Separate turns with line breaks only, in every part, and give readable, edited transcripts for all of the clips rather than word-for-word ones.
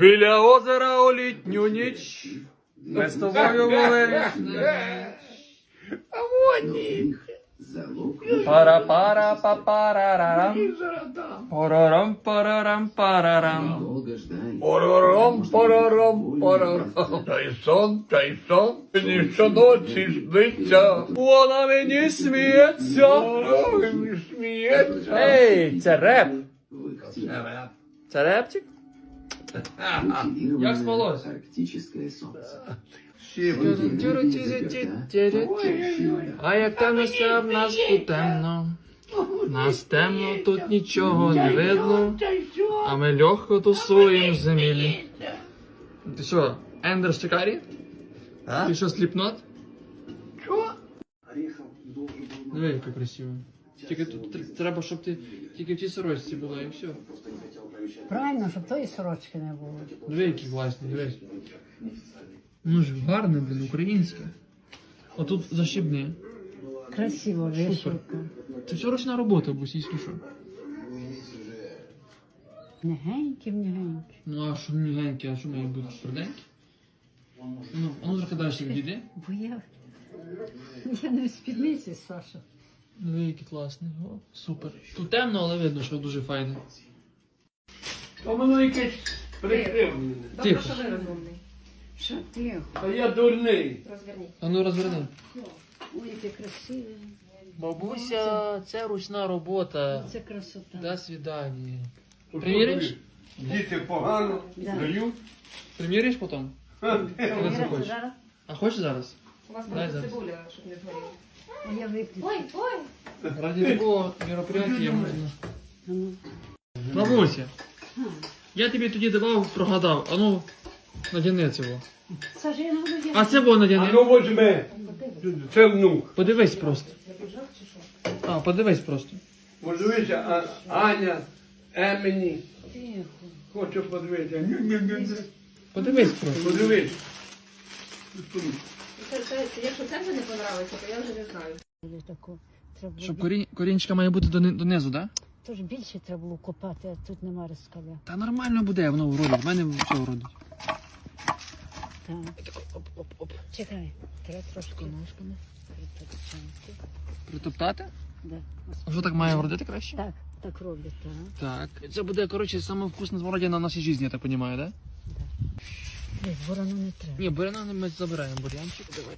Біля озера у літню ніч ми з тобою були.
А вони.
Пара-пара-па-парарарам. Парарам-парарам-парарам.
Парарам. Та й сон, мені щоночі сниться.
Вона мені сміється.
Ой, сміється.
Ей, це реп. Це репчик? Як спалось? А як темно все в нас тут темно. Нас темно, тут нічого не видно. А ми легко тусуємо в землі. Ти що, Ендер Шикарі? Ти що, сліпнот?
Що?
Диви, яка красива. Тільки тут треба, щоб ти тільки в тій сорочці була і все.
Правильно, щоб тої сорочки не було.
Диви, які класні, дивись. Ну ж гарне, блін, українське. Отут защібне.
Красиво вишивка.
Це все ручна робота, бусійські що.
Негенькі.
Ну а що мігенькі, а що має бути тверденькі? Ну, а ну трохи далі відійди.
Бо я не в спідниці, Саша.
Диви, які класні. О, супер. Тут темно, але видно, що дуже файне.
То воно якесь прикрив мене.
Тихо.
Що ви розумний?
Що ти?
А я дурний.
Розверніть.
А ну розверни.
Ой, яке красиве.
Бабуся, це ручна робота.
Це красота.
До свидання.
То що
Приміриш?
тобі? Діти погано
Да.
дають.
Приміриш потім? Коли захочеш.
Зараз?
А хочеш зараз?
У вас
Дай
буде
зараз.
цибуля, щоб не згоріла.
А я виключу.
Ой!
Ради такого мероприятия можна.
Ну,
Бабуся, я тобі тоді давав, прогадав. А ну, надяни цього.
Саша, я не буду
А це було
А
надяни.
ну возьми. Це внук.
Подивись просто. А, подивись просто.
Подивися, Аня, Емені.
Тихо.
Хочу подивитися.
Подивись просто.
Подивись.
Якщо це вже не подобається, то я вже не знаю.
Буде тако. Треба було
Щоб корінчика має бути донизу, так? Да?
Тож більше треба було копати, а тут нема розкаля.
Та нормально буде, воно вродить. В мене все вродить.
Так.
Оп-оп-оп.
Чекай, треба трошки ножками притопчати.
Притоптати?
Да.
А що так має вродити краще?
Так, так роблять, так.
Так. Це буде, коротше, саме вкусна смородина в нашій житті, я так розумію, так? Да?
Десь ворону не треба.
Ні, буряна ми забираємо бурянчик. Давай.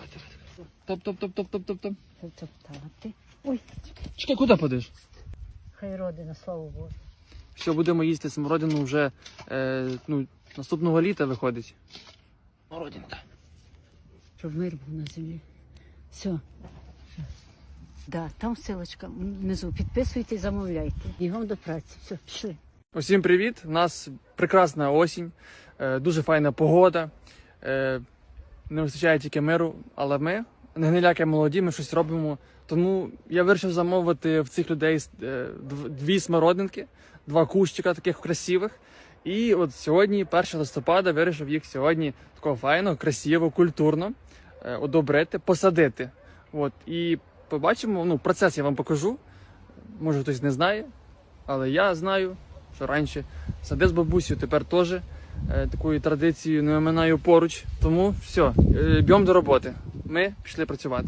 Топ.
Притоптати. Ой,
Чекай, куди подиш?
хай родина, слава Богу.
Все, будемо їсти смородину вже наступного літа виходить. Смородинка.
Щоб мир був на землі. Все. Да, там ссылочка внизу. Підписуйте, замовляйте. Бігом до праці. Все, пішли.
Усім привіт! У нас прекрасна осінь, дуже файна погода. Не вистачає тільки миру, але ми, не гниляки молоді, ми щось робимо. Тому я вирішив замовити в цих людей дві смородинки, два кущика таких красивих. І от сьогодні, 1 листопада, вирішив їх сьогодні такого файно, красиво, культурно одобрити, посадити. От. І побачимо, процес я вам покажу. Може хтось не знає, але я знаю, що раніше садив з бабусею, тепер теж такою традицією не оминаю поруч. Тому все, б'ємо до роботи. Ми пішли працювати.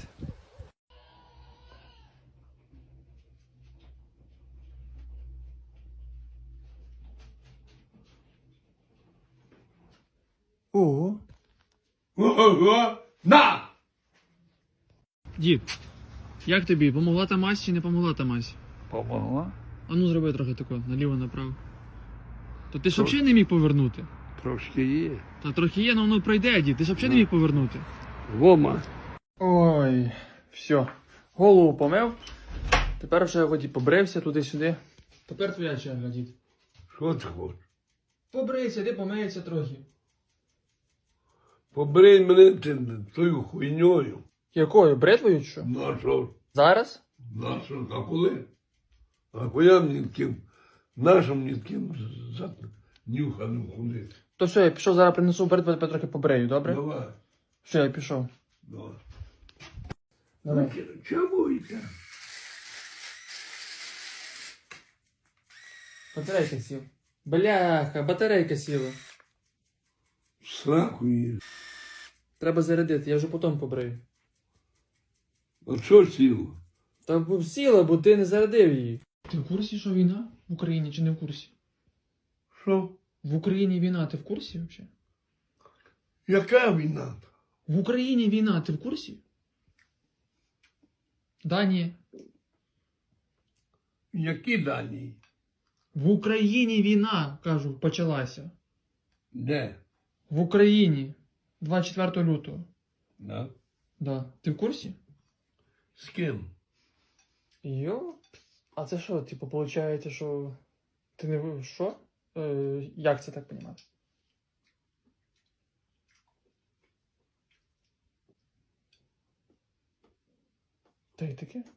Ого.
Ого! На!
Дід, як тобі? Помогла та мазь чи не помогла та мазь?
Помогла?
А ну зроби трохи тако, наліво-направо. То ти ж взагалі не міг повернути?
Трошки є.
Та трохи є, але воно пройде, дід. Ти ж взагалі не міг повернути.
Вома.
Ой, все. Голову помив. Тепер вже воді побрився туди-сюди. Тепер твоя черга, дід.
Що ти хочеш?
Побрийся, ти помиється трохи.
Побрий мене тою хуйньою.
Якою? Бритвою чи що?
На що?
Зараз?
На що? А коли? А коли мені таким, нашим мені таким нюханим ходити?
То все, я пішов, зараз принесу бритву, тепер трохи побрею, добре?
Давай.
Все, я пішов.
Давай.
Давай.
Чому йде?
Батарейка сіла. Бляха, батарейка сіла.
Сраку її.
Треба зарядити, я вже потім побрию.
А що сіло?
Та б сіла, бо ти не зарядив її. Ти в курсі, що війна в Україні чи не в курсі?
Що?
В Україні війна, ти в курсі взагалі?
Яка війна?
В Україні війна, ти в курсі? Да, ні.
Які дані?
В Україні війна, кажу, почалася.
Де?
В Україні. 24 лютого.
Да?
Да. Ти в курсі?
З ким?
Йо? А це що, типу, виходить, що ти не... Що? Як це так розуміти? Та й таке?